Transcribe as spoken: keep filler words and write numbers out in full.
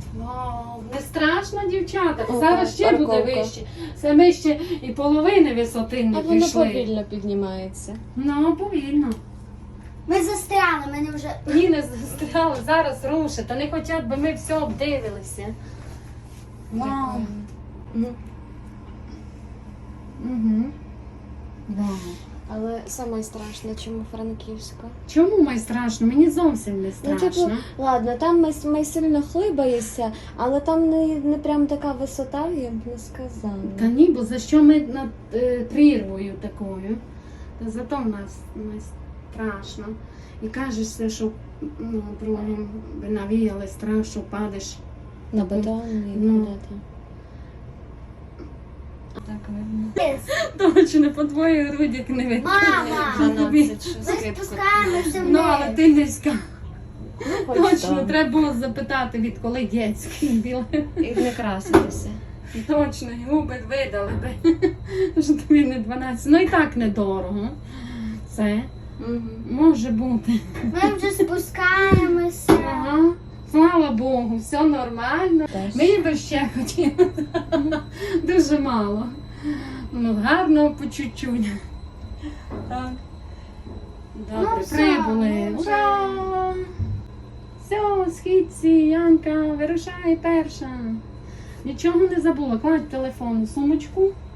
Вау, не страшно, дівчата. Ага, Зараз ще буде парковка. вище. Це ми ще і половини висоти не А воно пішли. повільно піднімається. Ну, повільно. Ми застряли, мене вже. Ні, не застряли, зараз рушить. Та не хочуть, би ми все обдивилися. Вау. Прикольно. Угу. Вау. Але саме страшно, чому Франківська. Чому май страшно? Мені зовсім не Ну, страшно. типу, ладно, там ми, ми сильно хлибаєшся, але там не, не прям така висота, я б не сказала. Та ні, бо за що ми над е, прірвою такою? Та зато в нас не страшно. І кажешся, що ну, другим би навіяли страх, що падеш. На бетон і Ну. куди-то. Так видно. Точно, по твоїй грудях не видно. Мама! дванадцять, що Ми скидку. спускаємося Ну, але вниз. ти низька. Хоч Точно, там. треба було запитати, відколи дітський білий. І не краситися. Точно, і губи видали би. Що тобі не дванадцять. Ну і так недорого. Це Угу. може бути. Ми вже спускаємося. Ага. Слава Богу, все нормально. Ми би ще хотіли. Дуже мало. Ну, гарно по чуть-чуть. Так. Добре, Ну, все, прибули. ну, вже. Ура! Все, східці, Янка, вирушай перша. Нічого не забула. Кладь телефон у сумочку.